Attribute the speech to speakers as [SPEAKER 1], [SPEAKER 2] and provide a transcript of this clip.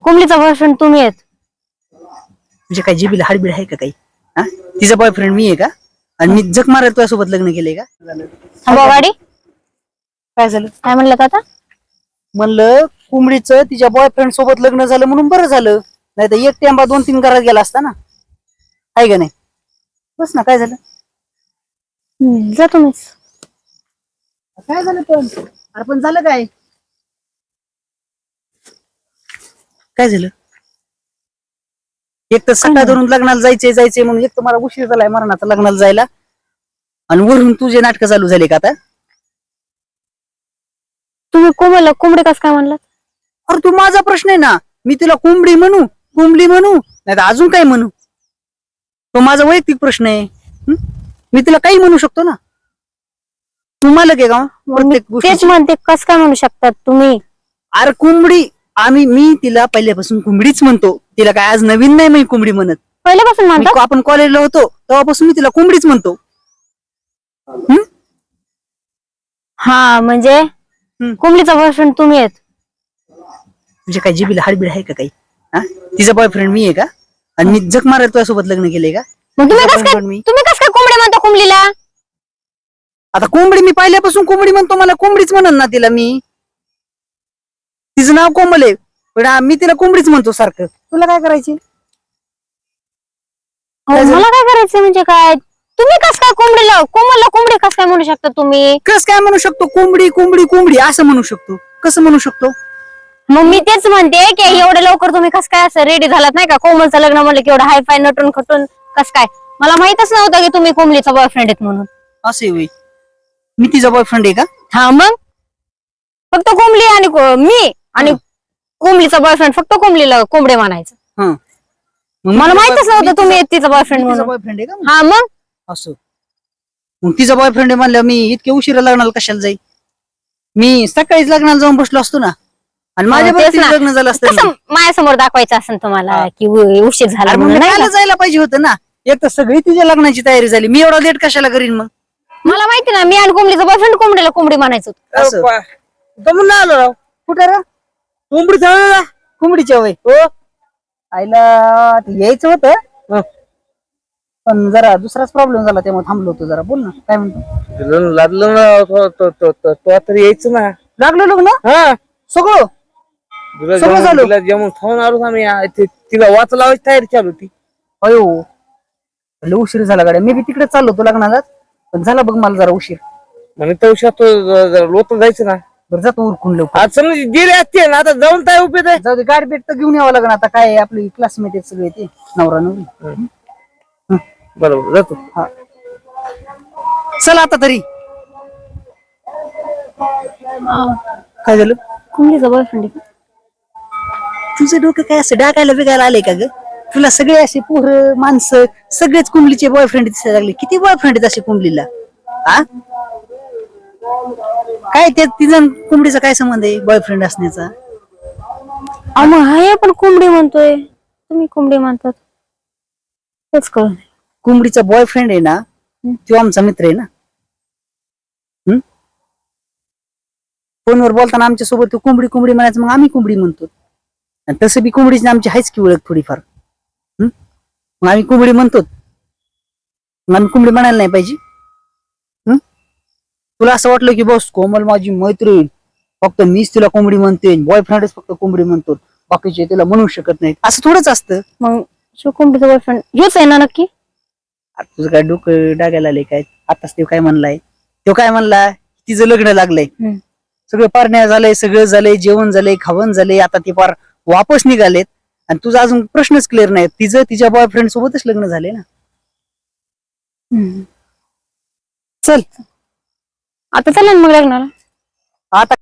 [SPEAKER 1] कोंबडीचा बॉयफ्रेंड तुम्ही आहेत.
[SPEAKER 2] म्हणजे काय जिबीला हाडबीड आहे का काही? हा, तिचा बॉयफ्रेंड मी आहे का? आणि मी जग मारायला तुझ्यासोबत लग्न केलंय का?
[SPEAKER 1] थांबवा गाडी.
[SPEAKER 2] काय झालं?
[SPEAKER 1] काय म्हणलं आता?
[SPEAKER 2] म्हणलं कोंबडीचं तिच्या बॉयफ्रेंड सोबत लग्न झालं म्हणून बरं झालं, नाही तर एक टेंबा 2-3 घरात गेला असता ना. आहे का नाही? बस ना, काय झालं?
[SPEAKER 1] जा तुम्हीच.
[SPEAKER 2] काय झालं पण? अरे पण झालं काय? काय झालं? एक तर सकाळ धरून लग्नाला जायचंय म्हणून, एक तर मला उशीर झालाय मरणाचा लग्नाला जायला, आणि वरून तुझे नाटक चालू झाले का आता?
[SPEAKER 1] तुम्ही कोंबडीला कोंबडी कसं काय म्हणलात?
[SPEAKER 2] अरे तू माझा प्रश्न आहे ना, मी तिला कोंबडी म्हणू नाही तर अजून काय म्हणू? तो माझा वैयक्तिक प्रश्न आहे. मी तिला काही म्हणू शकतो ना. तुम्हाला काय का प्रत्येक
[SPEAKER 1] तेच
[SPEAKER 2] गोष्टी?
[SPEAKER 1] म्हणते, कसं काय म्हणू शकतात तुम्ही?
[SPEAKER 2] अरे कोंबडी, मी तिला पहिल्यापासून कोंबडीच म्हणतो. तिला काय आज नवीन नाही मी कोंबडी म्हणत.
[SPEAKER 1] पहिल्यापासून म्हणतात.
[SPEAKER 2] आपण कॉलेजला होतो तेव्हापासून मी तिला कोंबडीच म्हणतो.
[SPEAKER 1] हा म्हणजे कोंबडीचा बॉयफ्रेंड तुम्ही आहेत.
[SPEAKER 2] म्हणजे काय जिबीला हाडबीड आहे का काही? हा, तिचा बॉयफ्रेंड मी आहे का? आणि मी जग मारायला तुझ्यासोबत लग्न केलंय का?
[SPEAKER 1] मग तुम्ही कसं काय
[SPEAKER 2] मी
[SPEAKER 1] कोंबडी म्हणता कोंबडीला?
[SPEAKER 2] आता कोंबडी मी पहिल्यापासून कोंबडी म्हणतो, मला कोंबडीच म्हणन ना तिला मी. तिचं नाव कोमल आहे पण मी तिला कोंबडीच म्हणतो सारखं. तुला काय करायची?
[SPEAKER 1] मला काय करायचं म्हणजे काय? तुम्ही कसं काय कोंबडीला कोंबडी कसं काय म्हणू शकता तुम्ही?
[SPEAKER 2] कस काय म्हणू शकतो? कोंबडी असं म्हणू शकतो. कसं म्हणू शकतो?
[SPEAKER 1] मग मी तेच म्हणते की एवढे लवकर तुम्ही कसं काय असं रेडी झालात नाही का? कोमलचं लग्न म्हणलं की एवढं हाय फाय नटून खटून कसं काय? मला माहितच नव्हतं की तुम्ही कोंबडीचा बॉयफ्रेंड आहेत म्हणून.
[SPEAKER 2] असे होई, मी तिचा बॉयफ्रेंड आहे का?
[SPEAKER 1] हा मग फक्त कोंबडी आणि मी आणि कोंबडीचा बॉयफ्रेंड, फक्त कोंबडीला कोंबडे म्हणायचं.
[SPEAKER 2] हा,
[SPEAKER 1] मला माहितच नव्हतं तुम्ही तिचा बॉयफ्रेंड म्हणून.
[SPEAKER 2] बॉयफ्रेंड आहे का?
[SPEAKER 1] हा मग
[SPEAKER 2] असं मग तिचा बॉयफ्रेंड आहे म्हणलं मी इतके उशिरा लग्नाला कशाला जाईल? मी सकाळीच लग्नाला जाऊन बसलो असतो ना, आणि माझ्या
[SPEAKER 1] तेच ना.
[SPEAKER 2] लग्न झालं असतं.
[SPEAKER 1] कसं माझ्यासमोर दाखवायचं असेल तुम्हाला की उशीर झाला म्हणून, नाही का?
[SPEAKER 2] जायला पाहिजे होतं ना. एक तर सगळी तिच्या लग्नाची तयारी झाली, मी एवढा लेट कशाला करीन मग?
[SPEAKER 1] मला माहिती ना, मी आणि कोंबडीचा बॉयफ्रेंड कोंबडीला कोंबडी म्हणायचो.
[SPEAKER 2] जमून आलो राव. कुठं रा कोंबडी कोंबडीच्या वय हो आईला यायचं होतं, पण जरा दुसराच प्रॉब्लेम झाला त्यामुळे थांबलो होतो जरा. बोल ना, काय म्हणतो?
[SPEAKER 3] लागलं ना तो तरी यायचं ना.
[SPEAKER 2] लागलो लग्न
[SPEAKER 3] हा,
[SPEAKER 2] सगळं सगळं झालं.
[SPEAKER 3] तिला जेवण खाऊन आलो आम्ही. तिला वाच लावायची तयारी चालू होती.
[SPEAKER 2] अयो लय उशीर झाला गाड्या. मी बी तिकडे चाललो होतो लग्नाला, पण झाला बघ मला जरा उशीर.
[SPEAKER 3] म्हणजे त्या उशीर लोट जायचं ना.
[SPEAKER 2] बरं जातो उरकून लवकर.
[SPEAKER 3] आज समज गेले असते ना, आता जाऊन काय उपयोग आहे?
[SPEAKER 2] जाऊ दे, गाडी भेट तर घेऊन यावं लागणार. आता काय आपली क्लासमेट आहेत सगळे, ते नवरा नवरी.
[SPEAKER 3] बरोबर जातो.
[SPEAKER 2] हा, चल आता तरी. काय झालं?
[SPEAKER 1] कोंबडीचा बॉयफ्रेंड
[SPEAKER 2] तुझं डोकं काय असं डाकायला बिगायला आलंय का ग? तुला सगळे असे पोरं माणसं सगळेच कुंबलीचे बॉयफ्रेंड दिसायला लागले. किती बॉयफ्रेंड आहेत असे कुंबलीला? हा, काय ते तिचं कोंबडीचा काय संबंध आहे बॉयफ्रेंड असण्याचा?
[SPEAKER 1] मग हाय पण कोंबडी म्हणतोय, तुम्ही कोंबडी म्हणतात, तेच कळलं.
[SPEAKER 2] कोंबडीचा बॉयफ्रेंड आहे ना, तो आमचा मित्र आहे ना. फोनवर बोलताना आमच्या सोबत तो कोंबडी म्हणायचं, मग आम्ही कोंबडी म्हणतो. आणि तसं बी कोंबडीची आमची आहेच की ओळख थोडीफार. मग आम्ही कोंबडी म्हणतो, मग आम्ही कोंबडी म्हणायला नाही पाहिजे? तुला असं वाटलं की बस कोमल माझी मैत्रीण, फक्त मीच तिला कोंबडी म्हणते, बॉयफ्रेंडच फक्त कोंबडी म्हणतो, बाकीचे तिला म्हणू शकत नाही, असं थोडंच असतं.
[SPEAKER 1] मग कोंबडीचा बॉयफ्रेंड हेच आहे ना नक्की?
[SPEAKER 2] तुझं काय डोकं डागायला आलंय काय? आताच तो काय म्हणलाय? तो काय म्हणला? तिचं लग्न लागलंय, सगळं पारण्या झालंय, सगळं झालंय, जेवण झालंय, खावण झालंय, आता ती पार वापस निघालेत, आणि तुझा अजून प्रश्नच क्लिअर नाही. तिचं तिच्या बॉयफ्रेंड सोबतच लग्न झाले ना. चल
[SPEAKER 1] आता चला ना मग लग्नाला.
[SPEAKER 2] आता